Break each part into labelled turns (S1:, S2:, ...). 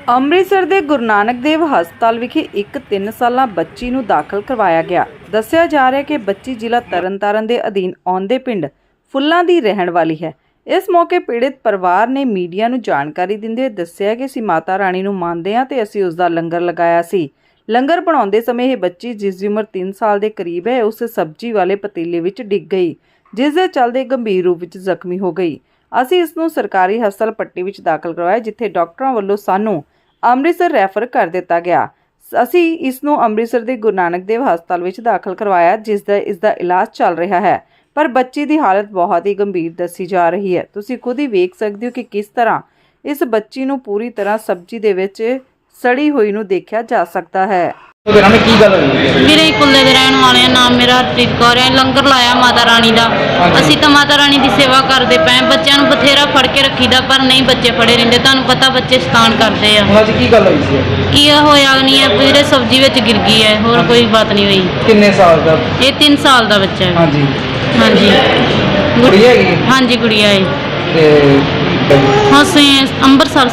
S1: ਅੰਮ੍ਰਿਤਸਰ ਦੇ ਗੁਰੂ ਨਾਨਕ ਦੇਵ ਹਸਪਤਾਲ ਵਿਖੇ ਇੱਕ 3 ਸਾਲਾ ਬੱਚੀ ਨੂੰ ਦਾਖਲ ਕਰਵਾਇਆ ਗਿਆ। ਦੱਸਿਆ ਜਾ ਰਿਹਾ ਹੈ ਕਿ ਬੱਚੀ ਜ਼ਿਲ੍ਹਾ ਤਰਨਤਾਰਨ ਦੇ ਅਧੀਨ ਆਉਂਦੇ ਪਿੰਡ ਫੁੱਲਾਂ ਦੀ ਰਹਿਣ ਵਾਲੀ ਹੈ। ਇਸ ਮੌਕੇ ਪੀੜਿਤ ਪਰਿਵਾਰ ਨੇ ਮੀਡੀਆ ਨੂੰ ਜਾਣਕਾਰੀ ਦਿੰਦੇ ਹੋਏ ਦੱਸਿਆ ਕਿ ਅਸੀਂ ਮਾਤਾ ਰਾਣੀ ਨੂੰ ਮੰਨਦੇ ਹਾਂ ਤੇ ਅਸੀਂ ਉਸ ਦਾ ਲੰਗਰ ਲਗਾਇਆ ਸੀ। ਲੰਗਰ ਬਣਾਉਂਦੇ ਸਮੇਂ ਇਹ ਬੱਚੀ, ਜਿਸ ਦੀ ਉਮਰ 3 ਸਾਲ ਦੇ ਕਰੀਬ ਹੈ, ਉਸ ਸਬਜ਼ੀ ਵਾਲੇ ਪਤੀਲੇ ਵਿੱਚ ਡਿੱਗ ਗਈ, ਜਿਸ ਦੇ ਚੱਲਦੇ ਗੰਭੀਰ ਰੂਪ ਵਿੱਚ ਜ਼ਖਮੀ ਹੋ ਗਈ। ਅਸੀਂ ਇਸ ਨੂੰ ਸਰਕਾਰੀ ਹਸਪਤਾਲ ਪੱਟੀ ਵਿੱਚ ਦਾਖਲ ਕਰਵਾਇਆ, ਜਿੱਥੇ ਡਾਕਟਰਾਂ ਵੱਲੋਂ ਸਾਨੂੰ ਅੰਮ੍ਰਿਤਸਰ ਰੈਫਰ ਕਰ ਦਿੱਤਾ ਗਿਆ। ਅਸੀਂ ਇਸ ਨੂੰ ਅੰਮ੍ਰਿਤਸਰ ਦੇ ਗੁਰੂ ਨਾਨਕ ਦੇਵ ਹਸਪਤਾਲ ਵਿੱਚ ਦਾਖਲ ਕਰਵਾਇਆ, ਜਿਸ ਦਾ ਇਸ ਦਾ ਇਲਾਜ ਚੱਲ ਰਿਹਾ ਹੈ, ਪਰ ਬੱਚੀ ਦੀ ਹਾਲਤ ਬਹੁਤ ਹੀ ਗੰਭੀਰ ਦੱਸੀ ਜਾ ਰਹੀ ਹੈ। ਤੁਸੀਂ ਖੁਦ ਹੀ ਵੇਖ ਸਕਦੇ ਹੋ ਕਿ ਕਿਸ ਤਰ੍ਹਾਂ ਇਸ ਬੱਚੀ ਨੂੰ ਪੂਰੀ ਤਰ੍ਹਾਂ ਸਬਜ਼ੀ ਦੇ ਵਿੱਚ ਸੜੀ ਹੋਈ ਨੂੰ ਦੇਖਿਆ ਜਾ ਸਕਦਾ ਹੈ।
S2: मेरे कुल्ले दे रहने वाले नाम मेरा हरप्रीत कौर है। लंगर लाया माता रानी का। असी तो माता रानी की सेवा करते पे, बच्चों को बथेरा फड़ के रखीदा, पर नहीं बच्चे फड़े रहिंदे। तुहानूं पता बच्चे शैतान करते हैं। की होया नहीं है, वीरे सब्जी विच गिर गई है, होर कोई बात नहीं हुई।
S3: किन्ने साल दा?
S2: ये 3 साल का बच्चा है।
S3: हाँ जी
S2: गुड़िया है। हाँ जी गुड़िया है। ਅਸੀਂ ਅੰਮ੍ਰਿਤਸਰ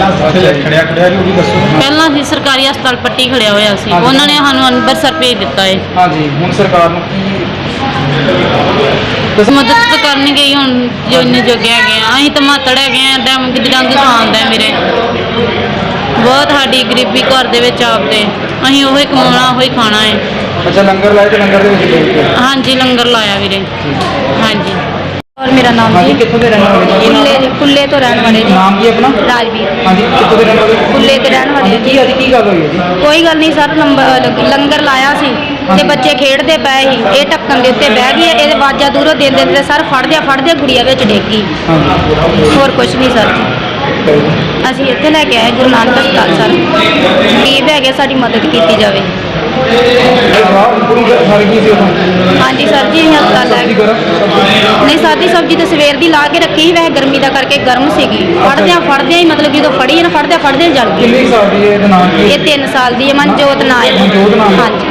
S2: ਪਹਿਲਾਂ ਹੀ ਸਰਕਾਰੀ ਹਸਪਤਾਲ ਪੱਟੀ ਖੜਿਆ ਹੋਇਆ ਸੀ, ਉਹਨਾਂ ਨੇ ਸਾਨੂੰ ਅੰਮ੍ਰਿਤਸਰ ਭੇਜ ਦਿੱਤਾ ਹੈ।
S3: ਹਾਂਜੀ, ਹੁਣ ਸਰਕਾਰ ਨੂੰ ਕੀ
S2: ਮਦਦ ਤਾਂ ਕਰਨਗੇ ਹੀ, ਹੁਣ ਜੋ ਇੰਨੇ ਜੋਗੇ ਹੈਗੇ ਆ। ਅਸੀਂ ਤਾਂ ਮਾਤੜ ਹੈਗੇ ਆ, ਡੰਗ ਖਾਂਦਾ ਮੇਰੇ ਬਹੁਤ, ਸਾਡੀ ਗਰੀਬੀ ਘਰ ਦੇ ਵਿੱਚ ਆਪਦੇ, ਅਸੀਂ ਉਹੀ ਕਮਾਉਣਾ ਉਹੀ ਖਾਣਾ ਹੈ।
S3: ਅੱਛਾ, ਲੰਗਰ ਲਾਇਆ ਤੇ ਲੰਗਰ ਦੇ ਵਿੱਚ
S2: ਹਾਂਜੀ ਲੰਗਰ ਲਾਇਆ ਵੀਰੇ। ਹਾਂਜੀ।
S4: और मेरा नाम
S3: जी कित्थों दे रहने वाले?
S4: कुल्ले तो रहने वाले जी।
S3: नाम की अपना?
S4: राजवीर।
S3: हाँ जी, कित्थों दे रहने वाले?
S4: कुल्ले के रहने वाले
S3: की आज की गल हुई है जी?
S4: कोई गल नहीं सर, लंगर लाया सी ते बच्चे खेडते पे ही, ये ढक्कन दे उत्ते बह गई, ये आवाज़ां दूरों देंदे ते सर फड़दे गुड़िया विच डिग गई। होर कुछ नहीं सर जी। ਅਸੀਂ ਇੱਥੇ ਲੈ ਕੇ ਆਏ ਗੁਰੂ ਨਾਨਕ ਹਸਪਤਾਲ ਸਰ, ਗਰੀਬ ਹੈਗੇ, ਸਾਡੀ ਮਦਦ ਕੀਤੀ ਜਾਵੇ। ਹਾਂਜੀ ਸਰ ਜੀ, ਅਸੀਂ ਹਸਪਤਾਲ ਲੈ ਨਹੀਂ, ਸਾਦੀ ਸਬਜ਼ੀ ਤਾਂ ਸਵੇਰ ਦੀ ਲਾ ਕੇ ਰੱਖੀ, ਵੈਸੇ ਗਰਮੀ ਦਾ ਕਰਕੇ ਗਰਮ ਸੀਗੀ। ਫੜਦਿਆਂ ਹੀ ਮਤਲਬ ਜਦੋਂ ਫੜੀ ਨਾ, ਫੜਦਿਆਂ ਜਲ ਗਈ। ਇਹ 3 ਸਾਲ ਦੀ ਹੈ, ਮਨਜੋਤ ਨਾਂ ਹੈ। ਹਾਂਜੀ।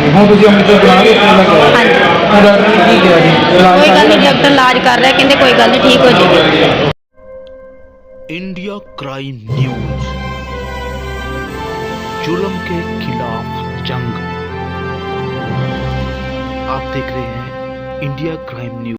S4: ਕੋਈ ਗੱਲ ਨਹੀਂ, ਡਾਕਟਰ ਇਲਾਜ ਕਰ ਰਿਹਾ, ਕਹਿੰਦੇ ਕੋਈ ਗੱਲ ਨਹੀਂ, ਠੀਕ ਹੋ ਜਾਏਗੀ।
S5: इंडिया क्राइम न्यूज, जुल्म के खिलाफ जंग। आप देख रहे हैं इंडिया क्राइम न्यूज।